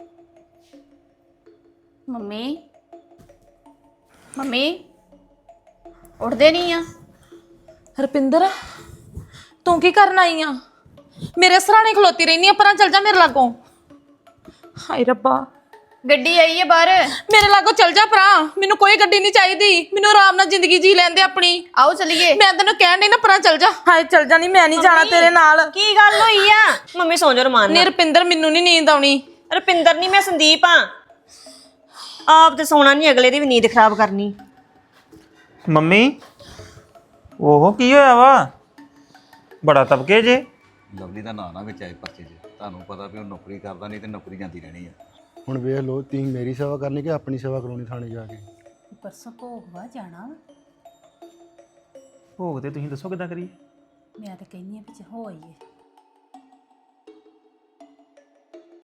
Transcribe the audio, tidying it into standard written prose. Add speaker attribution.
Speaker 1: Mummy mummy ਉੱਠਦੇ ਨਹੀਂ ਆ।
Speaker 2: ਰਪਿੰਦਰ ਤੂੰ ਕੀ ਕਰਨ ਆਈ ਆ? ਮੇਰੇ ਸਰਾਣੇ ਖਲੋਤੀ ਰਹਿਨੀ ਆ, ਪਰਾਂ ਚੱਲ ਜਾ ਮੇਰੇ ਲਾਗੋਂ। ਹਾਏ ਰੱਬਾ,
Speaker 1: ਗੱਡੀ ਆਈ ਹੈ ਬਾਹਰ।
Speaker 2: ਮੇਰੇ ਲਾਗੋਂ ਚੱਲ ਜਾ ਪਰਾਂ, ਮੈਨੂੰ ਕੋਈ ਗੱਡੀ ਨਹੀਂ ਚਾਹੀਦੀ, ਮੈਨੂੰ ਆਰਾਮ ਨਾਲ ਜ਼ਿੰਦਗੀ ਜੀ ਲੈਂਦੇ ਆਪਣੀ।
Speaker 1: ਆਓ ਚਲੀਏ।
Speaker 2: ਮੈਂ ਤੈਨੂੰ ਕਹਿਣ ਡਈ ਨਾ ਪਰਾਂ ਚੱਲ ਜਾ। ਹਾਏ ਚੱਲ ਜਾ, ਨਹੀਂ ਮੈਂ ਨਹੀਂ ਜਾਣਾ ਤੇਰੇ ਨਾਲ।
Speaker 3: ਕੀ ਗੱਲ ਹੋਈ ਆ? ਮੰਮੀ ਸੌਂ ਜਾ ਰਮਾਨ
Speaker 2: ਨੀ ਰਪਿੰਦਰ ਮੈਨੂੰ ਨਹੀਂ ਨੀਂਦ ਆਉਣੀ।
Speaker 3: ਰੁਪਿੰਦਰ ਨਹੀਂ, ਮੈਂ ਸੰਦੀਪ ਆ। ਆਪ ਤੇ ਸੌਣਾ ਨਹੀਂ, ਅਗਲੇ ਦੀ ਵੀ ਨੀਂਦ ਖਰਾਬ ਕਰਨੀ।
Speaker 4: ਮੰਮੀ ਉਹ ਕੀ ਹੋਇਆ ਵਾ? ਬੜਾ ਤਬਕੇ ਜੇ।
Speaker 5: ਲਵਲੀ ਦਾ ਨਾਂ ਨਾ ਵਿੱਚ ਆਏ ਪਰਚੇ 'ਚ। ਤੁਹਾਨੂੰ ਪਤਾ ਵੀ ਉਹ ਨੌਕਰੀ ਕਰਦਾ, ਨਹੀਂ ਤੇ ਨੌਕਰੀ ਜਾਂਦੀ ਰਹਿਣੀ ਆ।
Speaker 6: ਹੁਣ ਵੇਖ ਲੋ, ਤੁਸੀਂ ਮੇਰੀ ਸੇਵਾ ਕਰਨੀ ਕਿ ਆਪਣੀ ਸੇਵਾ ਕਰਾਉਣੀ ਥਾਣੇ ਜਾ ਕੇ?
Speaker 7: ਪਰਸੋਂ ਭੋਗ ਵਾ ਜਾਣਾ ਵਾ।
Speaker 4: ਭੋਗ ਤੇ ਤੁਸੀਂ ਦੱਸੋ ਕਿੱਦਾਂ ਕਰੀਏ?
Speaker 7: ਮੈਂ ਤਾਂ ਕਹਿੰਦੀ ਆ ਵੀ ਹੋ ਆਈਏ।